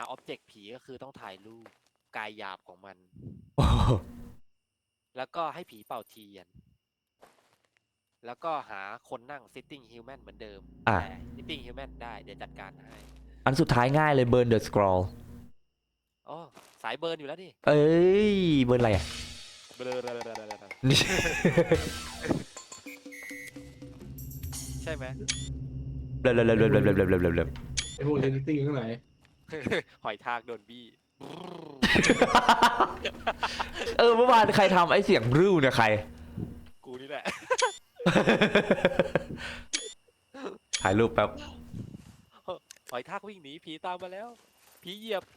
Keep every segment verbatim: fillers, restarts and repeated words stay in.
ออบเจกต์ผีก็คือต้องถ่ายรูปกายหยาบของมันโอ้โหแล้วก็ให้ผีเป่าเทียน แล้วก็หาคนนั่ง sitting human เหมือนเดิมอ่ะแต่ sitting human ได้เดี๋ยวจัดการให้อันสุดท้ายง่ายเลย burn the scroll อ๋อสายเบิร์นอยู่แล้วนี่เอ้ยเบิร์นอะไรอ่ะเบลอนี่ใช่ไหมเบลอเบลอเบลอเบลอเบลอเบลอเบลอเบลอไอ้พวกเรนติ้งข้างไหนหอยทากโดนบี้เออเมื่อวานใครทำไอ้เสียงริ้วเนี่ยใครกูนี่แหละถ่ายรูปแป๊บหอยทากวิ่งหนีผีตามมาแล้ว ผีเหยียบ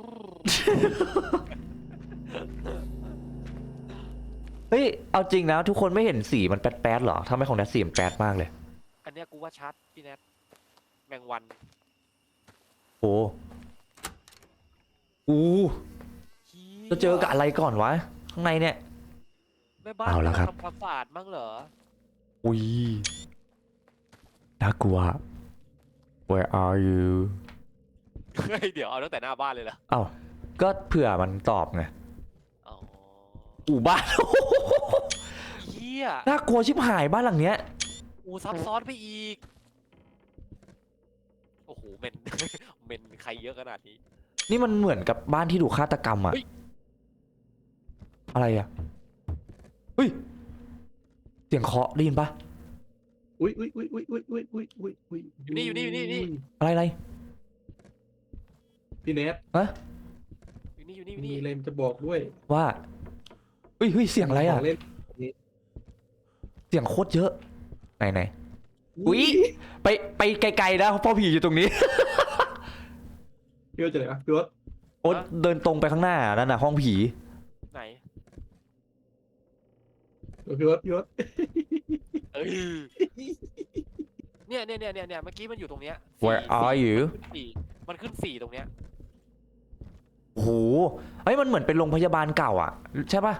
เฮ้ยเอาจริงนะทุกคนไม่เห็นสีมันแป๊ดๆหรอทำไมของแนทสีมันแป๊ดมากเลยอันเนี้ยกูว่าชัดพี่แนทแมงวันโอ้อู้จะเจอกับอะไรก่อนวะข้างในเนี่ยแม่บ้านเอาละครับทำความสะอาดมั้งเหรออุ้ยน่ากลัว Where are you เฮ้ยเดี๋ยวเอาตั้งแต่หน้าบ้านเลยเหรอเอ้าก็เผื่อมันตอบไงอ๋ออู่บ้านเฮียน่ากลัวชิบหายบ้านหลังเนี้ยอูซับซ้อนไปอีก โอ้โหเมน เมนใครเยอะขนาดนี้นี่มันเหมือนกับบ้านที่ถูกฆาตกรรมอะเฮ้ยอะไรอะเฮ้ยเสียงเคาะได้ยินปะอุ้ยอุ้ยอุ้ยอุ้ยอุ้ยอุ้ยอุ้ยอุ้ยอุ้ยอยู่นี่อยู่นี่อยู่นี่อยู่นี่อะไรอะไรพี่เนทฮะอยู่นี่อยู่นี่อยู่มีนี่อะไรมันจะบอกด้วยว่าเฮ้ยเฮ้ยเสียงอะไรอะขงเล่นเสียงโคตรเยอะไหนไหน อุ๊ย ไปไปไกลๆนะเพราะผีอยู่ตรงนี้พี่ว่าจะไหนวะพี่ว่าโอ๊ตเดินตรงไปข้างหน้านั่นน่ะห้องผีไหนพี่ว่าพี่ว่าเอ้ยเนี่ยเนี่ยเนี่ยเนี่ยเนี่ยเมื่อกี้มันอยู่ตรงเนี้ย Where สี่ are you สี่มันขึ้นสี่ตรงเนี้ยโอ้โหเฮ้ยมันเหมือนเป็นโรงพยาบาลเก่าอ่ะใช่ปะ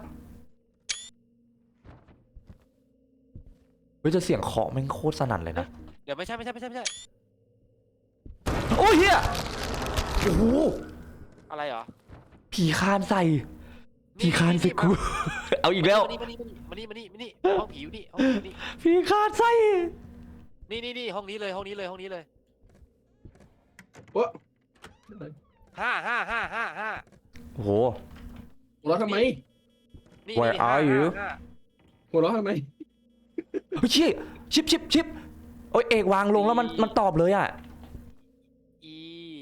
เฮ้ยจะเสียงเคาะแม่งโคตรสนั่นเลยนะเดี๋ยวไม่ใช่ไม่ใช่ไม่ใช่ไม่ใช่โอ้ยเฮียโอ้โหอะไรเหรอผีคานใส่ผีคานใส่กู เอาอีกแล้วมานี่มานี่มานี่มานี่มานี่มานี่ห้องผีอยู่นี่ห้องผีอยู่นี่ผีคานใส่นี่นี่นี่ห้องนี้เลยห้องนี้เลยห้องนี้เลยโอ้ห้าห้าห้าห้าห้าโอ้โหหัวเราะทำไมนี่ Where นี่ห้า are you? ห้าห้าหัวเราะทำไมเฮ้ยชิชิปชิปชิปโอ้ยเอกวางลงแล้วมันมันตอบเลยอ่ะ E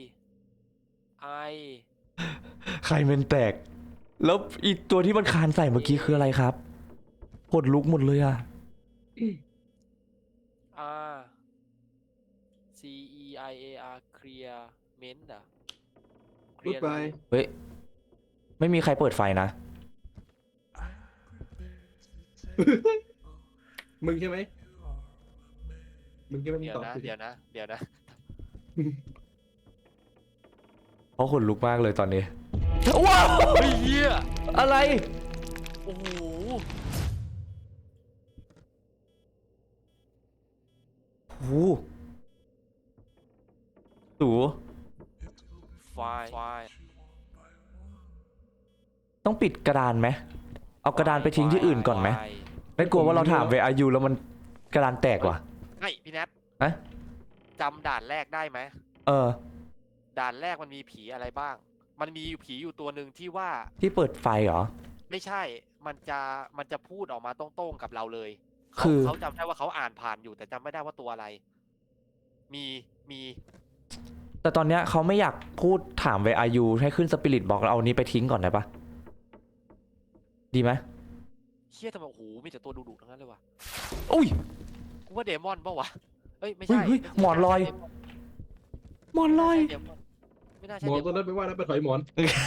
I ใครเป็นแตก แล้วอีตัวที่มันคานใส่เมื่อกี้คืออะไรครับกดลุกหมดเลยอ่ะ R C E I A R clear ment อ่ะพูดไปเฮ้ย ไม่มีใครเปิดไฟนะมึงใช่ไหมมึงใช่ไหมมึงเดี๋ยวตอบนะสิเดี๋ยวนะเดี๋ยวนะเพราะขนลุกมากเลยตอนนี้ ว้าวเฮ้ยเหี้ยอะไรโอ้โหโอ้โหสูไฟไฟต้องปิดกระดานไหม เอากระดานไปทิ้งที่อื่นก่อนไหมไม่กลัวว่าเราถามเวอายุแล้วมันกระดานแตกว่ะไอ้พี่แนทฮะจำด่านแรกได้ไหมเออด่านแรกมันมีผีอะไรบ้าง มันมีอยู่ผีอยู่ตัวหนึ่งที่ว่าที่เปิดไฟเหรอไม่ใช่ มันจะ มันจะพูดออกมาตรงๆกับเราเลยเขาคือเขาจำได้ว่าเขาอ่านผ่านอยู่แต่จำไม่ได้ว่าตัวอะไร มี มีแต่ตอนเนี้ยเขาไม่อยากพูดถามเวอายุให้ขึ้นสปิริตบอกเราเอานี้ไปทิ้งก่อนได้ปะดีไหมเชี่ยทำไมโอ้โหมีแต่ตัวดุๆทั้งนั้นเลยว่ะอุ้ยกูว่าเดมอนปะวะเอ้ยไม่เฮ้ยใช่เฮ้ยหมอนลอย หมอนลอยไม่น่าหใช่มอนเดมตัวอนนั้นไปว่าแล้วไปถอยหมอน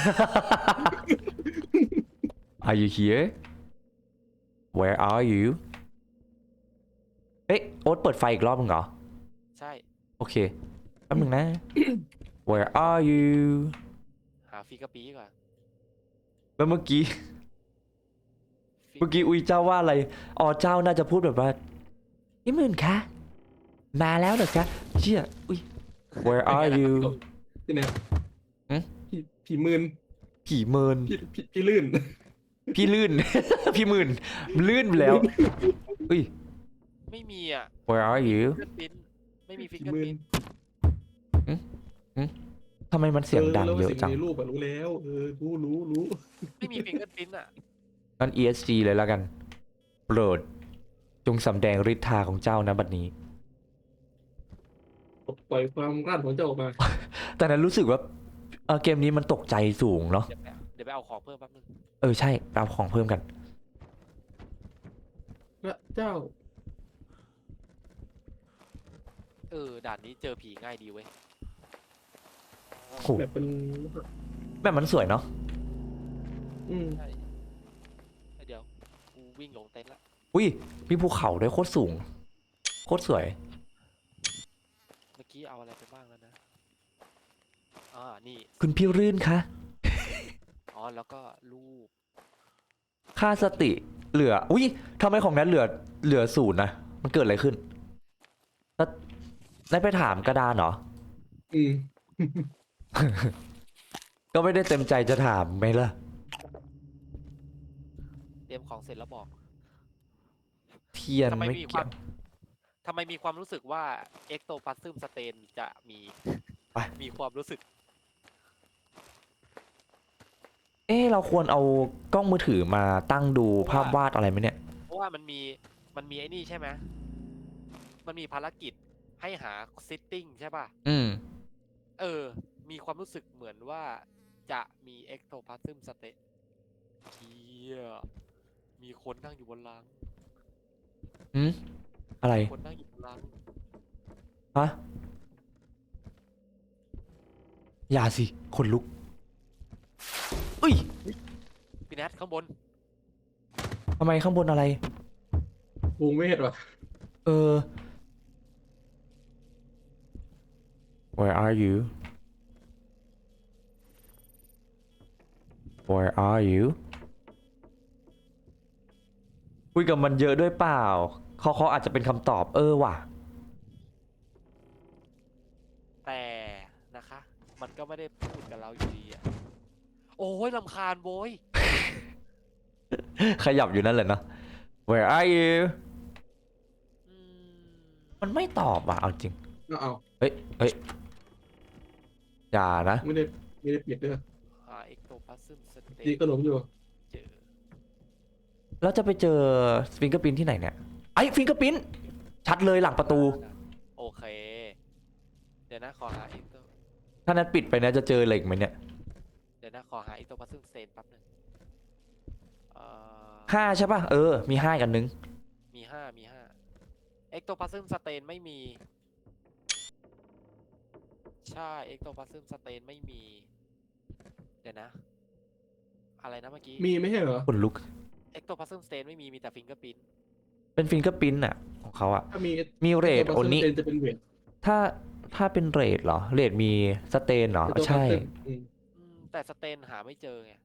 Are you here Where are you เอ๊ะโอ๊ตเปิดไฟอีกรอบมึงเหรอใช่โอเคแป๊บนึงนะ Where are you หาฟิกาปีก่อนแล้วเมื่อกี้ เมื่อกี้อุ้ยเจ้าว่าอะไร อ๋อเจ้าน่าจะพูดแบบว่านี่มื่นคะมาแล้วเหรอคะเชี่ยอุ้ย Where are you พี่เนทผีผีมืนผีเมินผีผีผีลื่นพี่ลื่น พี่หมื่นลื่นไปแล้วอุ้ยไม่มีอ่ะ where are you ฟิงเกอร์พิ้นไม่มีฟิงผีเกอร์มืพิ้นนทำไมมันเสียงดังแล้วเยอะสิ่จังในรูปอะรู้แล้วเออรู้รู้รู้ไม่มีฟิงเกอร์พิ้นอ่ะงั้น อี เอส จี เลยแล้วกัน โปรด จงสำแดงฤทธาของเจ้านะบัดนี้ปล่อยความกล้าของเจ้าออกมาแต่นั้นรู้สึกว่าเออเกมนี้มันตกใจสูงเนาะเดี๋ยวไปเอาเดี๋ยวไปเอาของเพิ่มแป๊บนึงเออใช่ไปเอาของเพิ่มกันพระเจ้าเออด่านนี้เจอผีง่ายดีเว้ยโอ้โหแบบเป็นแบบมันสวยเนาะอืมใช่เดี๋ยวกูวิ่งลงเต็นท์ละอุ้ยมีภูเขาด้วยโคตรสูง โคตรสวยเมื่อกี้เอาอะไรไปบ้างแล้วนะอ่านี่คุณพี่รื่นคะอ๋อแล้วก็รูปค่าสติเหลือ อุ้ยทำไมของนั้นเหลือเหลือศูนย์นะมันเกิดอะไรขึ้นแล้วได้ไปถามกระดานเหรออืมก็ไม่ได้เต็มใจจะถามไหมล่ะเตรียมของเสร็จแล้วบอกเทียนทำไมไม่มีคเกี่วาย มวทำไมมีความรู้สึกว่าเอ็กโตพาซึมสเตนจะมีไปมีความรู้สึกเอ๊ะเราควรเอากล้องมือถือมาตั้งดูภาพวาดอะไรไหมเนี่ยเพราะว่ามันมีมันมีไอ้นี่ใช่ไหมมันมีภารกิจให้หาซิตติ้งใช่ป่ะอืมเออ มีความรู้สึกเหมือนว่าจะมีเอ็กโตพาซึมสเตนเคียมีคนนั่งอยู่บนรังอืม อะไรคนนั่งอยู่บนรังฮะ อย่าสิ คนลุกอุ้ยพี่แนทข้างบนทำไมข้างบนอะไรวงเวทว่ะเออ Where are you Where are you คุยกับมันเยอะด้วยเปล่าเขาเขาอาจจะเป็นคำตอบ เออว่ะแต่นะคะ มันก็ไม่ได้พูดกับเราอยู่ดีอะโอ้ยลำคาญโว้ยขยับอยู่นั่นแหละเนาะ Where are you อืมมันไม่ตอบอ่ะ เอาจริงเอาเอาเฮ้ย เฮ้ย อย่านะไม่ได้ไม่ได้ปิดเด้อหาเอ็กโตพาซึมสเตดีนขนมอยู่เจอแล้วจะไปเจอฟิงเกอร์พินที่ไหนเนี่ย ไอ้ฟิงเกอร์พินชัดเลยหลังประตูโอเค เดี๋ยวนะขอหาเอ็กโตถ้านั้นปิดไปนะจะเจอเหล็กไหมเนี่ยเดี๋ยวนะขอหาเอ็กโตพาซึมสเตนแป๊บนึงเอ่อห้าใช่ป่ะ เออ มีห้ากันนึงมีห้ามีห้าเอ็กโตพาซึมสเตนไม่มี ใช่เอ็กโตพาซึมสเตนไม่มี เดี๋ยวนะ อะไรนะเมื่อกี้มีไม่ใช่เหรอคนลุกเอ็กโตพาซึมสเตนไม่มีมีแต่ฟิงเกอร์พิ้นเป็นฟิงเกอร์พินอะของเขาอะถ้ามีมีเรทโอนี้จะเป็นเวทถ้าถ้าเป็นเรทเหรอ เรทมีสเตนเหรอ ใช่อืมอืมแต่สเตนหาไม่เจอไง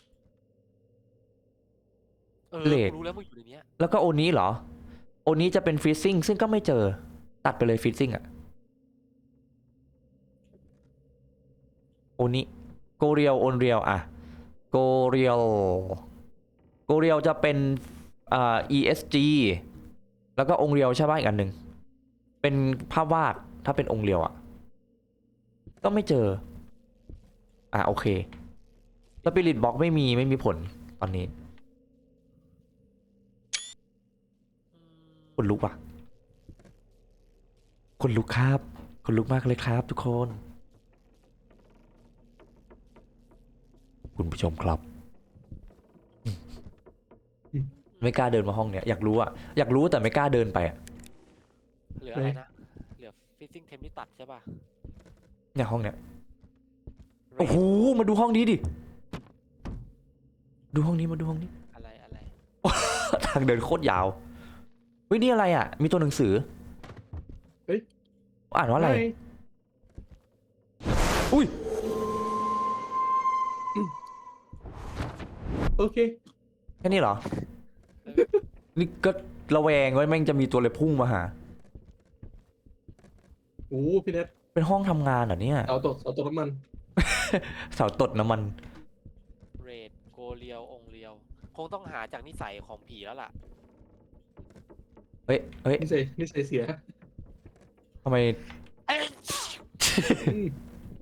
เออเลดกูรู้แล้วมึงอยู่ในเนี้ยแล้วก็โอนี้เหรอ โอนี้จะเป็นฟรีซิ่งซึ่งก็ไม่เจอ ตัดไปเลยฟรีซิ่งอะโอนี้โกเรียลโอนเรียลอะโกเรียลโกเรียลจะเป็นอ่า อี เอส จี แล้วก็องค์เรียวใช่ป่ะอีกอันหนึ่งเป็นภาพวาดถ้าเป็นองค์เรียวอะก็ไม่เจอ อ่ะโอเคสปิริตบ็อกไม่มีไม่มีผลตอนนี้อืมคนลุกว่ะคนลุกครับคนลุกมากเลยครับทุกคน คุณผู้ชมครับอืมไม่กล้าเดินมาห้องเนี้ยอยากรู้อะอยากรู้แต่ไม่กล้าเดินไปอะเหลืออะไรนะ เหลือฟิซซิ่งเทมที่ตัดใช่ป่ะเนี่ยห้องเนี้ยเรโอ้ทโหมาดูห้องนี้ดิดูห้องนี้มาดูห้องนี้อะไรอะไรทางเดินโคตรยาวเฮ้ยนี่อะไรอะมีตัวหนังสือเฮ้ยอ่านว่าอะไรม่อุ้ยโอเคแค่นี้เหรอเออนี่ก็ระแวงไว้แม่งจะมีตัวอะไรพุ่งมาหาโอ้พี่เน็ตเป็นห้องทำงานเหรอเนี่ยเสาตกเสาตกน้ำมันเสาตดน้ำมันเรดโกเรียวองค์เรียว คงต้องหาจากนิสัยของผีแล้วล่ะเฮ้ยเฮ้ยนิสัยนิสัยเสียทำไมเอ้ยอืม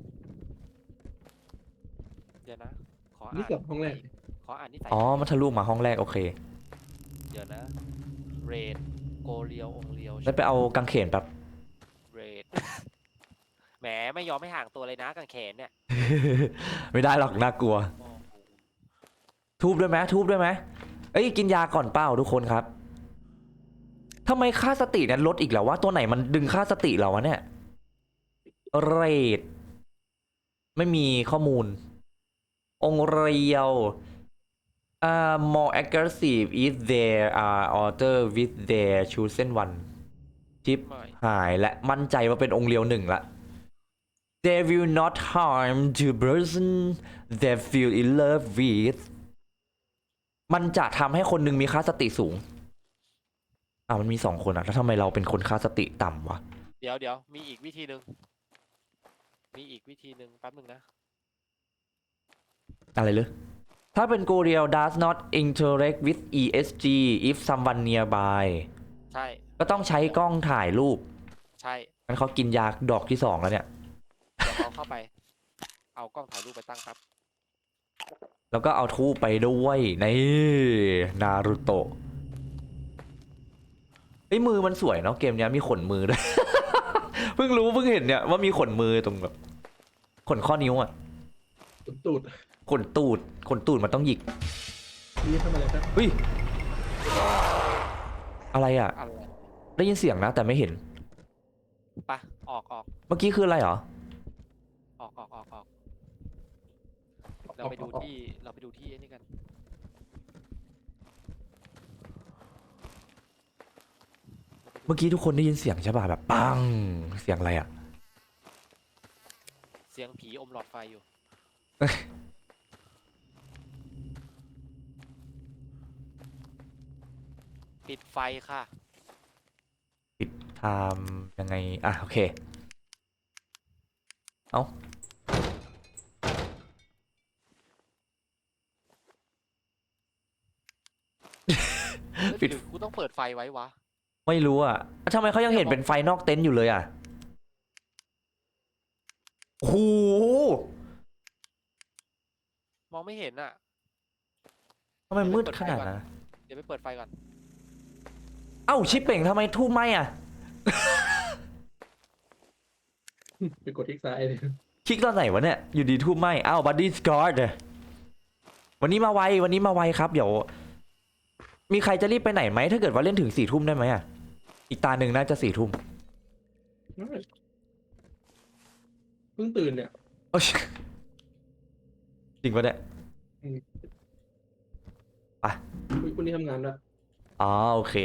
เดี๋ยวนะ ขอนี่อ่านกับห้องแรกขออ่านนิสัยอ๋อ มันทะลุมาห้องแรกโอเคเดี๋ยวนะ เรดโกเรียวองค์เรียวแล้วไปเอากางเขนแบบเรด แหมไม่ยอมไม่ห่างตัวเลยนะกางเขนเนี่ยไม่ได้หรอกน่ากลัวโอ้โหทูบด้วยไหมทูบด้วยไหมเอ้ยกินยาก่อนเปล่าทุกคนครับทำไมค่าสติเนี่ยลดอีกแล้ววะตัวไหนมันดึงค่าสติเราวะเนี่ยเรดไม่มีข้อมูล องค์เรียว อ่า more aggressive if there are order with their chosen one ชิปไม่หายและมั่นใจว่าเป็นองค์เรียวหนึ่งละ they will not harm the person they feel in love with มันจะทำให้คนหนึ่งมีค่าสติสูงอ่ามันมีสองคนอะแล้วทำไมเราเป็นคนค่าสติต่ำวะเดี๋ยวเดี๋ยวมีอีกวิธีหนึ่งมีอีกวิธีหนึ่งแป๊บหนึ่งนะอะไรเลยถ้าเป็น Goriel does not interact with อี เอส จี if someone nearby ใช่ก็ต้องใช้กล้องถ่ายรูปใช่งั้นเขากินยาดอกที่สองแล้วเนี่ยเดี๋ยวเราเข้าไป เอากล้องถ่ายรูปไปตั้งครับแล้วก็เอาทูบไปด้วยนี่นารูโตะไอ้ยมือมันสวยเนาะเกมเนี้ยมีขนมือด้วย เพิ่งรู้เพิ่งเห็นเนี่ยว่ามีขนมือตรงแบบขนข้อนิ้วอ่ะตุดตูดขนตูดขนตูดมันต้องหยิกนี่ทำอะไรครับเฮ้ยอะไรอ่ะอะไรได้ยินเสียงนะ แต่ไม่เห็นปะออกออกเมื่อกี้คืออะไรเหรอออกออกออกออกเราไปดูที่เราไปดูที่ไอ้นี่กันเมื่อกี้ทุกคนได้ยินเสียงใช่ป่ะแบบปังเสียงอะไรอ่ะเสียงผีอมหลอดไฟอยู่ ปิดไฟค่ะปิดไทม์ยังไงอ่ะโอเคเอาปิดหรือกูต้องเปิดไฟไว้วะไม่รู้อ่ะทำไมเขายังเห็นเป็นไฟนอกเต็นท์อยู่เลยอ่ะโอ้โหมองไม่เห็นอ่ะทำไมมืดขนาดนั้นเดี๋ยวไปเปิดไฟก่อนเอ้าชิปเป่งทำไมทูบไหมอ่ะไปกดที่ซ้ายเลยคลิกตอนไหนวะเนี่ย อยู่ดีทูบไหมเอ้าบัดดี้สกอร์ดวันนี้มาไววันนี้มาไวครับ เดี๋ยว มีใครจะรีบไปไหนไหม ถ้าเกิดว่าเล่นถึงสี่ทุ่มได้ไหมอ่ะ อีกตาหนึ่งน่าจะสี่ทุ่มเพิ่งตื่นเนี่ยโอ๊ยจริงปะเนี่ยอุ๊ยวันนี้ทำงานละอ๋อโอเค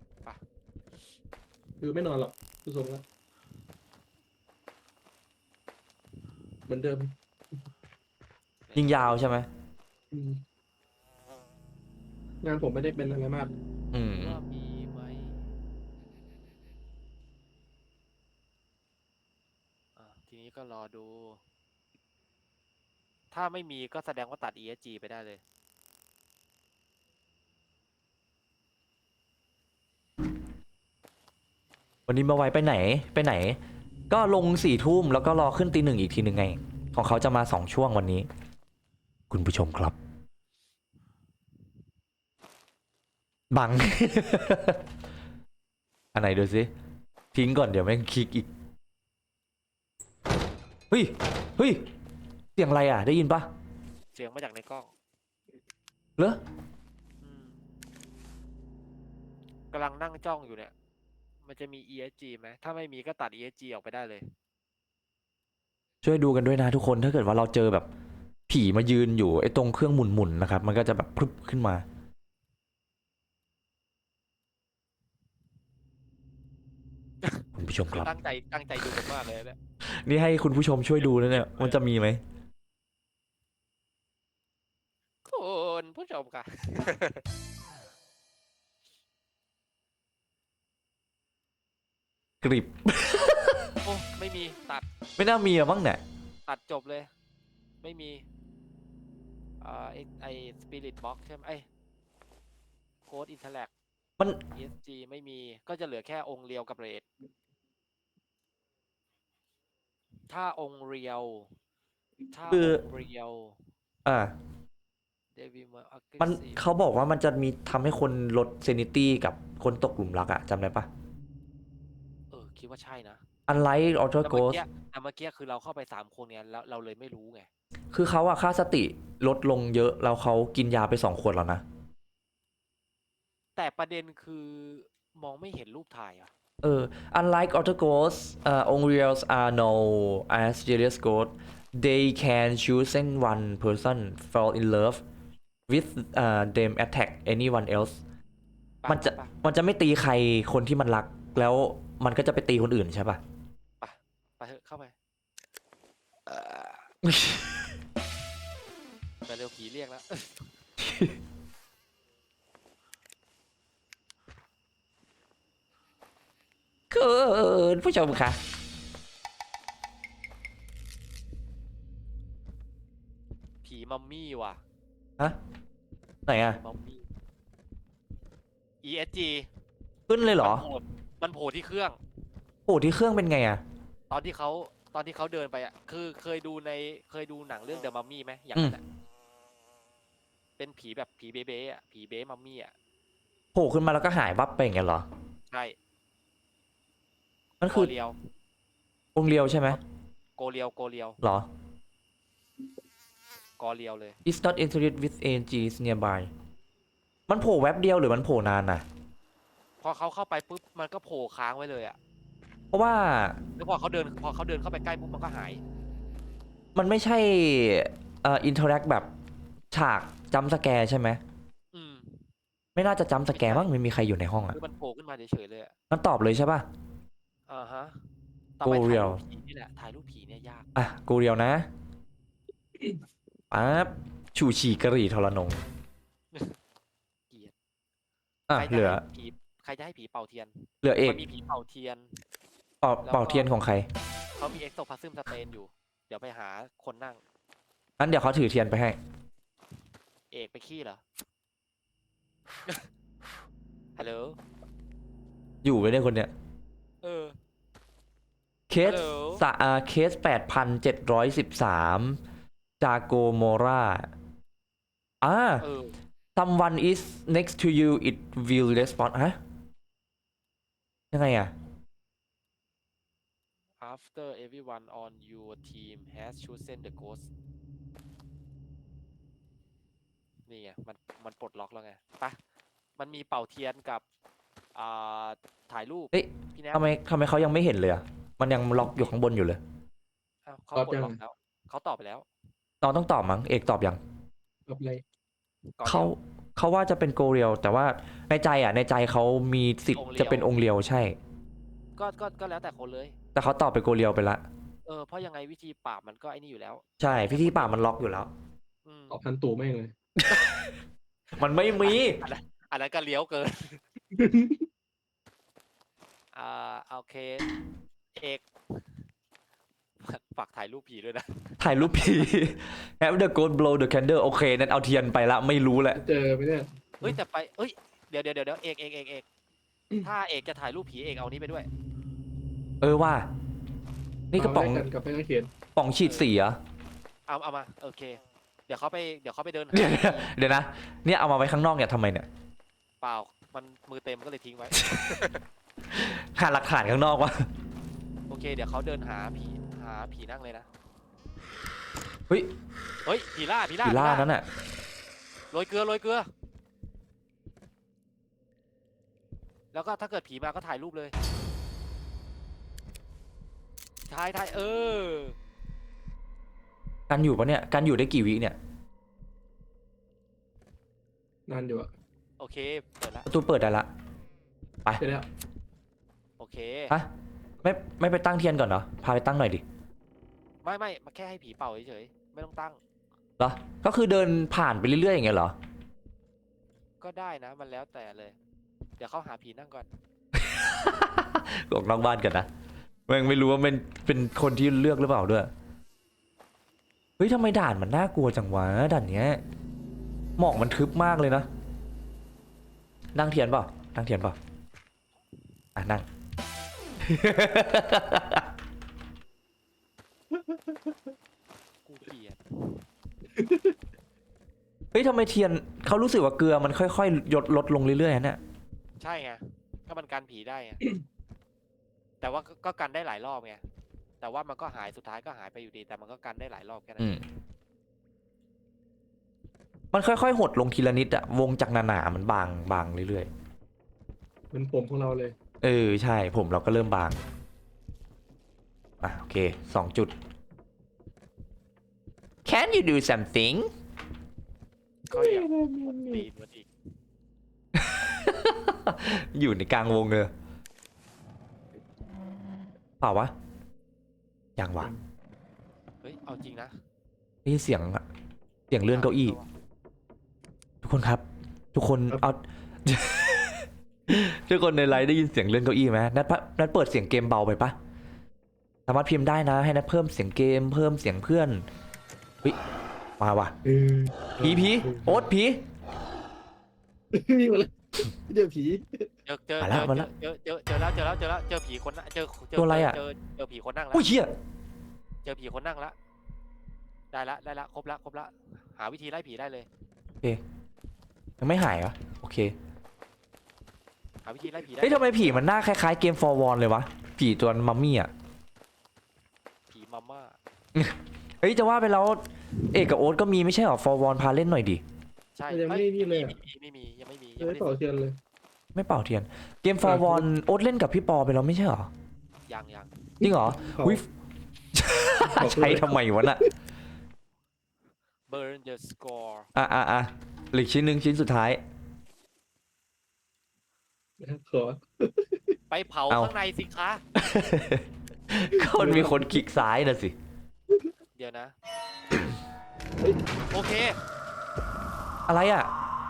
คือไม่นอนหรอกดูทรงแล้วเหมือนเดิมยิงยาวใช่ไหมอืมงานผมไม่ได้เป็นอะไรมากอืมว่ามีไหมอ่ะทีนี้ก็รอดู ถ้าไม่มีก็แสดงว่าตัด อี เอส จี ไปได้เลยวันนี้มาไวไปไหนไปไหน ก็ลงสี่ทุ่มแล้วก็รอขึ้นตีหนึ่งอีกทีหนึ่งไง ของเขาจะมาสองช่วงวันนี้ คุณผู้ชมครับ บัง อันไหนดูสิทิ้งก่อนเดี๋ยวแม่งคลิกอีก เฮ้ย เฮ้ย เสียงอะไรอ่ะ ได้ยินปะเสียงมาจากในกล้องเหรออืมกำลังนั่งจ้องอยู่เนี่ย มันจะมี อี เอส จี ไหม ถ้าไม่มีก็ตัด อี เอส จี ออกไปได้เลยช่วยดูกันด้วยนะทุกคน ถ้าเกิดว่าเราเจอแบบ ผีมายืนอยู่ไอ้ตรงเครื่องหมุนๆนะครับ มันก็จะแบบพรึบขึ้นมา คุณผู้ชมครับตั้งใจตั้งใจดูกันมากเลยเนี่ยนี่ให้คุณผู้ชมช่วยดูนะเนี่ย มันจะมีไหมคุณผู้ชมค่ะกริบโอ้ไม่มีตัดไม่น่ามีอะมั้งเนี่ยตัดจบเลยไม่มีอ่าไอไอสปิริตบ็อกใช่ไหมไอโค้ดอินเทอร์แลกมันอี เอส จี ไม่มีก็จะเหลือแค่องค์เรียวกับเรทถ้าองค์เรียวถ้าคือองค์เรียวอ่าเดวิมาอักเกมันซีเขาบอกว่ามันจะมีทำให้คนลดเซนิตี้กับคนตกหลุมรักอะจำได้ปะเออคิดว่าใช่นะ unlike auto แต่เมื่อ ghost กี้แต่เมื่อกี้คือเราเข้าไปสามคนเนี่ยแล้วเราเลยไม่รู้ไงคือเขาอะค่าสติลดลงเยอะแล้วเขากินยาไปสองขวดแล้วนะแต่ประเด็นคือมองไม่เห็นรูปถ่ายอ่ะเออ unlike auto ghosts uh, Onreals are no as serious ghost they can choose one person fall in love with uh, them attack anyone else ปะมันจะปะมันจะไม่ตีใครคนที่มันรัก แล้วมันก็จะไปตีคนอื่นใช่ปะปะไปเถอะเข้าไปเออแต่เร็วผีเรียกแล้วเกินผู้ชมค่ะผีมัมมี่ว่ะฮะ ไหนอะมัมมี่ อี เอส จีขึ้นเลยเหรอมันโผล่มันโผล่ที่เครื่องโอ้ที่เครื่องเป็นไงอะตอนที่เขาตอนที่เขาเดินไปอ่ะ คือเคยดูในเคยดูหนังเรื่องเดอะมัมมี่ไหมอย่างนั้นอะเป็นผีแบบผีเบ๊ะๆอ่ะผีเบ๊มัมมี่อ่ะโผล่ขึ้นมาแล้วก็หายวับไปอย่างเงี้ยเหรอใช่มันโกคือเรียวองค์เรียวใช่ไหมโกเรียวโกเรียวเหรอกอเรียวเลย is not interest with A N Gs nearby มันโผล่แว็บเดียวหรือมันโผล่นานน่ะพอเขาเข้าไปปุ๊บมันก็โผล่ค้างไว้เลยอ่ะเพราะว่าแล้วพอเขาเดินพอเขาเดินเข้าไปใกล้ปุ๊บมันก็หายมันไม่ใช่เอ่อ interact แบบฉากจัมป์สแกร์ใช่ไหมอืมไม่น่าจะจัมป์สแกร์มั้งไม่มีใครอยู่ในห้องอ่ะคือมันโผล่ขึ้นมาเฉยๆเลยอ่ะมันตอบเลยใช่ป่ะอ่าฮะต่อไปถ่าย Goriel รูปผีนี่แหละถ่ายรูปผีเนี่ยยากอ่ะ กูเรียวนะปั๊บชูชีกะหรี่ทรนงเกลียดอ่ะใครจะเหลือให้ผีใครจะให้ผีเป่าเทียนเหลือเอกมันมีผีเป่าเทียนเป่าแล้วก็เป่าเทียนของใครเขามีเอ็กโซพาซึมสเตนอยู่ เดี๋ยวไปหาคนนั่งงั้นเดี๋ยวเขาถือเทียนไปให้เอกไปขี้เหรอ ฮัลโหลอยู่ไว้เนี่ยคนเนี้ยเออเคสฮัลโหลสะอาเคสแปดพันเจ็ดร้อยสิบสามจาโกโมราอ่าเออ someone is next to you it will respond ฮะ ยังไงอ่ะ after everyone on your team has chosen the ghost นี่ไงมันมันปลดล็อกแล้วไงไปะมันมีเป่าเทียนกับอ่าถ่ายรูปเฮ้ยพี่แนททำไมทำไมเขายังไม่เห็นเลยอ่ะ มันยังล็อกอยู่ข้างบนอยู่เลยอ้าวเขาตอบปลดยังล็อกแล้วเขาตอบไปแล้วน้องต้องตอบมั้ง เอกตอบยังแบบอะไรก่อนเขาดียวเขาว่าจะเป็นโกเรียลแต่ว่าในใจอ่ะ ในใจเขามีสิทธิ์องค์เรียวจะเป็นองค์เรียวใช่ก็ก็ก็แล้วแต่คนเลยแต่เขาตอบเป็นโกเรียลไปละเออเพราะยังไงวิธีปราบมันก็ไอ้นี่อยู่แล้วใช่พิธีป่าบมันล็อกอยู่แล้วอืมตอบทันตู่แม่งเลยมันไม่มีอันนั้นก็เลี้ยวเกิน อ่าโอเค เอกฝากถ่ายรูปผีด้วยนะถ่ายรูปผี Have the ghost blow the candle โอเค นั้นเอาเทียนไปละไม่รู้แหละเจอไหมเนี่ยเฮ้ยแต่ไปเฮ้ยเดี๋ยวเดี๋ยวเดี๋ยวเอกเอกเอกเอกถ้าเอกจะถ่ายรูปผีเอกเอานี้ไปด้วยเออว่า นี่กระป๋องเาแลกันกับไม่ต้องเขียนป๋องฉีดสีเหรอเอาเอามาโอเค เดี๋ยวเขาไปเดี๋ยวเขาไปเดินหาเดี๋ยวเดี๋ยวนะ เนี่ยเอามาไว้ข้างนอกเนี่ยทำไมเนี่ยเปล่ามันมือเต็มก็เลยทิ้งไว้หาหลักฐานข้างนอกวะโอเค เดี๋ยวเขาเดินหาผีหาผีนั่งเลยนะเฮ้ยเฮ้ยผีล่าผีล่าผีล่านั้นน่ะโรยเกลือโรยเกลือ แล้วก็ถ้าเกิดผีมาก็ถ่ายรูปเลยถ่ายถ่ายเออกันอยู่ปะเนี่ย กันอยู่ได้กี่วิเนี่ยนานอยู่อะโอเคเปิดละประตูเปิดได้ละเสร็จแล้วโอเคฮะ ไม่ไม่ไปตั้งเทียนก่อนเหรอ พาไปตั้งหน่อยดิไม่ไม่มาแค่ให้ผีเป่าเฉยๆไม่ต้องตั้งเหรอ ก็คือเดินผ่านไปเรื่อยๆอย่างเงี้ยเหรอก็ได้นะมันแล้วแต่เลย เดี๋ยวเขาหาผีนั่งก่อนออกนอกบ้านกันนะแม่งไม่รู้ว่าเป็นเป็นคนที่เลือกหรือเปล่าด้วยเฮ้ยทำไมด่านมันน่ากลัวจังวะด่านเนี้ยหมอกมันทึบมากเลยนะนั่งเทียนเปล่านั่งเทียนเปล่าอ่ะนั่งกูเกลียดเฮ้ยทำไมเทียนเขารู้สึกว่าเกลือมันค่อยๆลดลดลงเรื่อยๆนะเนี่ยใช่ไงก็มันกันผีได้ไง แต่ว่าก็ก็กันได้หลายรอบไงแต่ว่ามันก็หายสุดท้ายก็หายไปอยู่ดี แต่มันก็กันได้หลายรอบแค่นั้นอืมมันค่อยๆหดลงทีละนิดอะวงจากหนาๆมันบางบางเรื่อยเหมือนผมของเราเลยๆเออใช่ผมเราก็เริ่มบางอ่ะโอเคสองจุด Can you do something ก็อย่าตีนมันอีกอยู่ในกลางวงเลยเปล่าวะยังวะเฮ้ยเอาจริงนะได้ยินเสียงอะเสียงเลื่อนเก้าอี้ ทุกคนครับ ทุกคนครับเอา ทุกคนในไลฟ์ได้ยินเสียงเลื่อนเก้าอี้ไหมนัดปะนัดเปิดเสียงเกมเบาไปปะสามารถพิมพ์ได้นะ ให้นัดเพิ่มเสียงเกมเพิ่มเสียงเพื่อนเฮ้ยมาว่ะเออผีผีโอ๊ตผีมีหมดเลยเจอผีเจอเจอมาเจแล้วอมาแล้วเจอเจอเจอแล้วเจอแล้วเจอแล้วเจอผีคนนั่งเจอเจตัวอะไรอะเจอเจอผีคนนั่งแล้วอุ้ยเชี่ยเจอผีคนนั่งแล้วได้ละได้ละครบละครบละหาวิธีไล่ผีได้เลยโอเคยังไม่หายเหรอโอเคหาวิธีไล่ผีได้เฮ้ยทำไมผีมันหน้าคล้ายๆเกม For Won เลยวะผีตัวมัมมี่อ่ะผีมาม่าเฮ้ยจะว่าไปแล้วเอกกับโอ๊ตก็มีไม่ใช่หรอ For Won พาเล่นหน่อยดิใช่ยังไม่นี่เลยอะมีไม่มียังไม่มีเอยังอไม่ได้เป่าเทียนเลยไม่เป่าเทียนเกม For Won โอ๊ตเล่นกับพี่ปอไปแล้วไม่ใช่หรอยังยังจริงเหรอเป่าวิ ใช้ทำไมวะน่ะ burn the score อ่ะอ่ะอ่ะเหลืออกชิ้นหนึ่งชิ้นสุดท้ายขอไปเผาเอาข้างในสิคะก็มันมีคนคลิกซ้ายน่ะสิเดี๋ยวนะเฮ้ยโอเคอะไรอ่ะ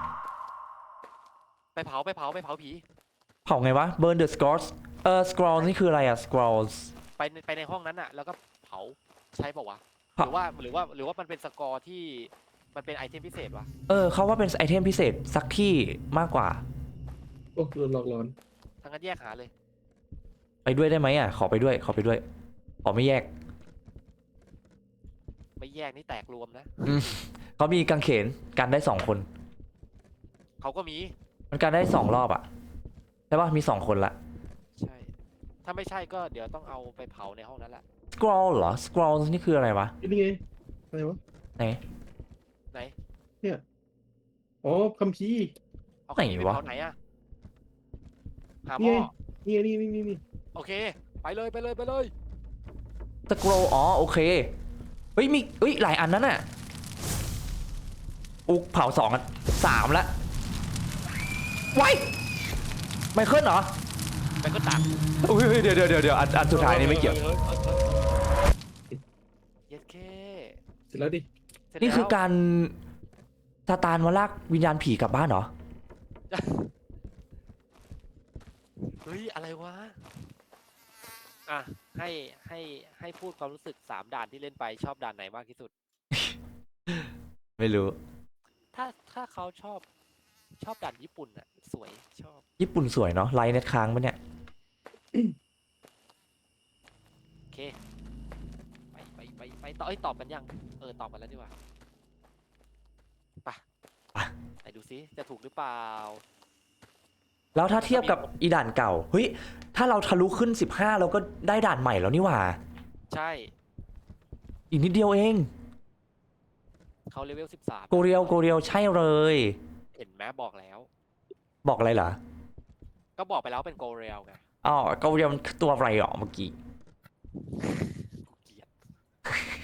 ไปเผาไปเผาไปเผาผีเผาไงวะ Burn the scrolls เออ scrolls นี่คืออะไรอ่ะ scrolls ไปในไปในห้องนั้นอะแล้วก็เผาใช่ป่าวะหเผารือว่าหรือว่าหรือว่ามันเป็นสกอร์ที่มันเป็นไอเทมพิเศษวะเออเขาว่าเป็นไอเทมพิเศษสักที่มากกว่าโอ้โดนหลอกหลอนทั้งนั้นแยกหาเลยไปด้วยได้ไหมอ่ะ ขอไปด้วย ขอไปด้วย ขอไม่แยกไม่แยกนี่แตกรวมนะเขามีกางเขนกันได้สองคนเขาก็มีมันกันได้สองรอบอ่ะใช่ป่ะมีสองคนละใช่ ถ้าไม่ใช่ก็เดี๋ยวต้องเอาไปเผาในห้องนั้นแหละ scroll เหรอ scroll นี่คืออะไรวะนี่ไงอะไรวะไหนไหนอ๋อคัมภีร์เอาใครไหนไปวะเผาไหนอะหาหนี่ม้อไงนี่ไงนี่นี่นี่นี่โอเค ไปเลยไปเลยไปเลย scroll อ๋อโอเค เฮ้ยมีเฮ้ยหลายอันนั้นน่ะอุกเผาสองอันสามละไว้ไมเคิลเหรอไปก็ตักอุ้ยเดี๋ยวเดี๋ยวเดี๋ยวเดี๋ยวอันอันสุดท้ายนี่ไม่เกี่ยวเย็ดเคเสร็จแล้วดิเสร็จนี่คือแล้วการซาตานมาลากวิญญาณผีกลับบ้านเหรอเฮ้ยอะไรวะ อ่ะให้ให้ให้พูดความรู้สึกสามด่านที่เล่นไปชอบด่านไหนมากที่สุดไม่รู้ถ้าถ้าเขาชอบชอบด่านญี่ปุ่นอะสวยชอบญี่ปุ่นสวยเนาะไลน์เน็ตค้างปะเนี่ยโอเค ไปไปไปไปต่อเอ้ยตอบกันยัง เออตอบกันแล้วดีกว่าไปไปไหนดูซิจะถูกหรือเปล่าแล้วถ้าเทียบกับอีด่านเก่า เฮ้ย ถ้าเราทะลุขึ้นสิบห้าเราก็ได้ด่านใหม่แล้วนี่หว่าใช่อีกนิดเดียวเองเขาเลเวลสิบสามโกเรียวโกเรียวใช่เลยเห็นไหมบอกแล้วบอกอะไรเหรอก็บอกไปแล้วเป็นโกเรลไงอ๋อโกเรียวมันตัวอะไรหรอเมื่อกี้กูเกลียด